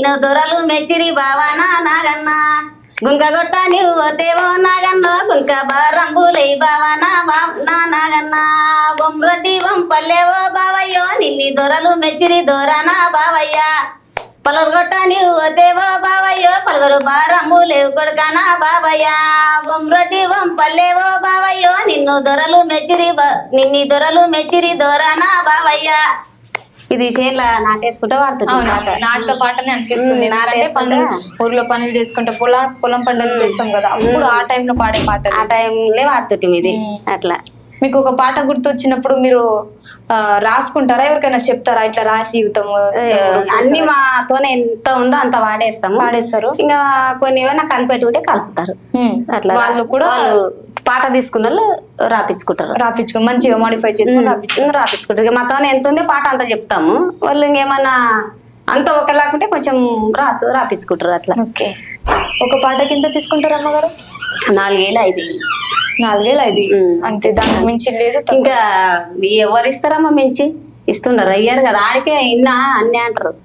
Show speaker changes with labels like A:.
A: నిన్ను దొరలు మెచ్చిరి బావానా నాగన్నా గుంకగొట్ట నీవు పోతేవో నాగన్నో గుంక బారంబులై బావానా నా నాగన్నా బొమ్రొడ్డి వంపల్లేవో బావయ్యో నిన్ని దొరలు మెచ్చిరి దొరనా బావయ్య పలుగొట్ట నీవు పోతేవో బావయ్యో పలుగురు బారంబులేవు కొడుకనా బావయ్య బొమ్రొడ్డి వంపల్లేవో బావయ్యో నిన్ను దొరలు మెచ్చిరి దొరనా బావయ్య. ఇది చేనుల నాటేసుకుంటే వాడుతుంది.
B: నాటుతో పాటనే అనిపిస్తుంది. ఎందుకంటే పనులు ఊర్లో పనులు చేసుకుంటే పొలం పండుగలు చేస్తాం కదా, అప్పుడు ఆ టైంలో పాడే పాట.
A: ఆ టైంలో వాడుతుంది ఇది. అట్లా
B: మీకు ఒక పాట గుర్తొచ్చినప్పుడు మీరు రాసుకుంటారా, ఎవరికైనా చెప్తారా ఇట్లా రాసి యువతము?
A: అన్ని మాతోనే ఎంత ఉందో అంత వాడేస్తారు. ఇంకా కొన్ని ఏమైనా కలిపెట్టుకుంటే కలుపుతారు. అట్లా
B: వాళ్ళు కూడా
A: పాట తీసుకున్న వాళ్ళు రాపించుకుంటారు.
B: మంచిగా మాడిఫై చేసుకుని
A: రాపించుకుంటారు. ఇక మాతోనే ఎంత ఉందో పాట అంతా చెప్తాము. వాళ్ళు ఇంకేమన్నా అంత ఒకలాకుంటే కొంచెం రాపించుకుంటారు. అట్లా.
B: ఓకే. ఒక పాట కింద తీసుకుంటారు అమ్మగారు?
A: 4,000 5,000.
B: 4,000 5,000 అంతే, దానికి మించి లేదు.
A: ఇంకా ఎవరు ఇస్తారమ్మా మించి? ఇస్తున్నారు అయ్యారు కదా, ఆడికే ఇన్నా అన్నీ అంటారు.